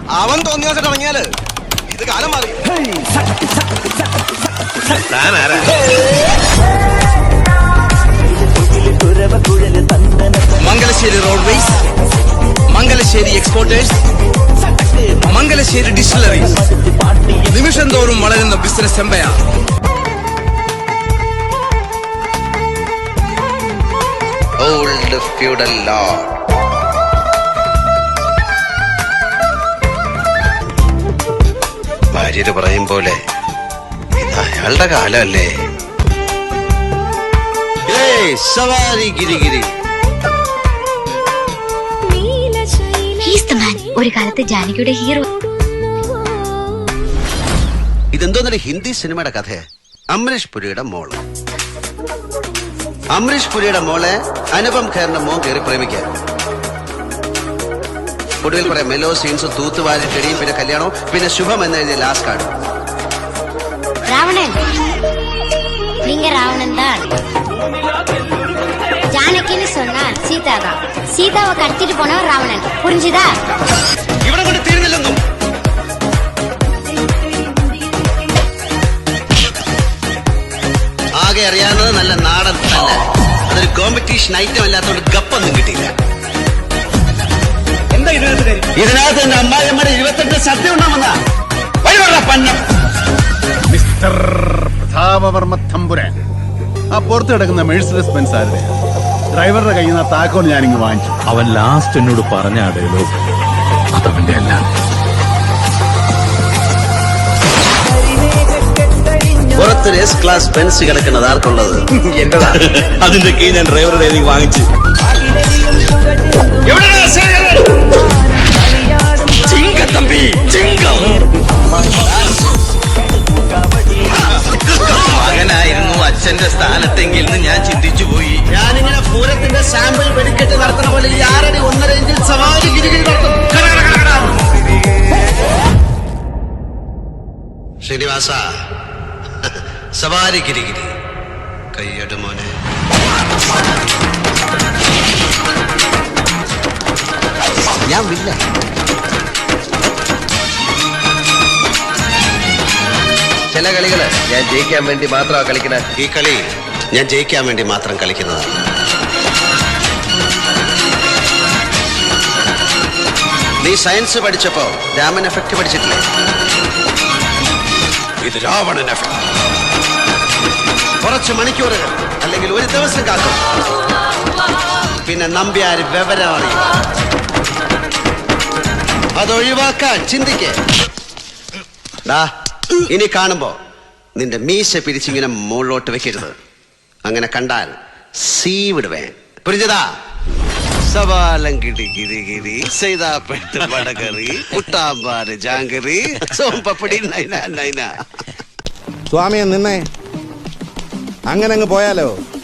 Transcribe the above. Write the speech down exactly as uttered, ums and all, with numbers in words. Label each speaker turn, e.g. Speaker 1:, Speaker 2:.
Speaker 1: അവൻ തോന്നിയ ഇറങ്ങിയാല് ഇത് കാലം മാറി. Mangalassery roadways, Mangalassery exporters, Mangalassery distilleries, നിമിഷം തോറും വളരുന്ന business empire. Old feudal lord. ഭാര്യര് പറയും പോലെ ഇത് അയാളുടെ കാലമല്ലേ. സവാരി ഗിരിഗിരി.
Speaker 2: ഒരു കാലത്ത് ജാനകിയുടെ ഹീറോ.
Speaker 3: ഇതെന്തോന്നൊരു ഹിന്ദി സിനിമയുടെ കഥയെ. അമരീഷ് പുരിയുടെ മോള് അമരീഷ് പുരിയുടെ മോളെ അനുപം ഖേറിന്റെ മോൻ കയറി പ്രേമിക്കാൻ. ഒടുവിൽ കുറെ മെലോ സീൻസും തൂത്തുവാരി ചെടിയും പിന്നെ കല്യാണവും പിന്നെ ശുഭം എന്നെഴുതിയ ലാസ്റ്റ് കാർഡ്.
Speaker 2: ராவணன் நீங்க ராவணன் தான். ஜானகின்னு சொன்னால் சீதா தான். சீதாவை கடத்திட்டு போனவர் ராவணன். புரிஞ்சுதா?
Speaker 3: ഇവിടെ കൊണ്ട് തീർന്നില്ലെന്നും. ആകെ അറിയാവുന്നത് നല്ല നാടൻ തന്നെ. അതൊരു കോമ്പറ്റീഷൻ ഐറ്റം അല്ലാത്തോണ്ട് ഗപ്പൊന്നും കിട്ടിയില്ല. ഇതിനകത്ത് എന്റെ അമ്മായിയമ്മയുടെ ഇരുപത്തെട്ട് സദ്യ ഉണ്ടാവുന്ന വഴിവെള്ള പന്നം.
Speaker 4: മിസ്റ്റർ പ്രതാപവർമ്മ തമ്പുരാൻ, ആ പുറത്ത് കിടക്കുന്ന മെഴ്സിഡസ് ബെൻസ് ആരുടെ? ഡ്രൈവറുടെ കയ്യിൽ നിന്ന് താക്കോൽ ഞാനിങ്ങ് വാങ്ങിച്ചു.
Speaker 5: അവൻ ലാസ്റ്റ് എന്നോട് പറഞ്ഞ ഡയലോഗ് അതവന്റെ അല്ല.
Speaker 3: പുറത്തൊരു എസ് ക്ലാസ് ബെൻസ് കിടക്കുന്നത് ആർക്കുള്ളത്? എന്റെതാ. അതിന്റെ കീ ഞാൻ ഡ്രൈവറുടെ കയ്യിൽ വാങ്ങിച്ചു. മകനായിരുന്നു അച്ഛന്റെ സ്ഥാനത്തെങ്കിൽ ഞാൻ ചിന്തിച്ചു പോയി. ഞാനിങ്ങനെ പൂരത്തിന്റെ സാമ്പിൾ വെടിക്കെട്ട് നടത്തുന്ന പോലെ ഈ ആറടി ഒന്നര ഇഞ്ചിൽ സവാരി ഗിരിഗിരി നടത്തും. ശ്രീനിവാസ, സവാരി ഗിരിഗിരി കയ്യട് മോനെ. ഞാൻ വില്ല. ചില കളികള് ഞാൻ ജയിക്കാൻ വേണ്ടി മാത്രമാണ് കളിക്കുന്നത്. ഈ കളി ഞാൻ ജയിക്കാൻ വേണ്ടി മാത്രം കളിക്കുന്നതാണ്. നീ സയൻസ് പഠിച്ചപ്പോ രാമൻ എഫക്ട് പഠിച്ചിട്ടില്ലേ? ഇത് രാവണൻ എഫക്ട്. കുറച്ച് മണിക്കൂറുകൾ അല്ലെങ്കിൽ ഒരു ദിവസം കാക്കും, പിന്നെ നമ്പ്യാര് വിവരമാണ്. അതൊഴിവാക്കാൻ ചിന്തിക്കേ. ഇനി കാണുമ്പോ നിന്റെ മീശ പിരിച്ചിങ്ങനെ മുകളിലോട്ട് വെക്കരുത്. അങ്ങനെ കണ്ടാൽ സീ വിടുവേ. പുരിഞ്ഞതാ? സവാലം കിടി ഗിരി ഗിരി സൈതാപ്പെട്ട് വടകറി പുട്ടാമ്പാറ് ജാങ്കറി സോമ്പപ്പടി നൈന നൈന.
Speaker 6: സ്വാമിയെ നിന്നെ അങ്ങനെ അങ്ങ് പോയാലോ?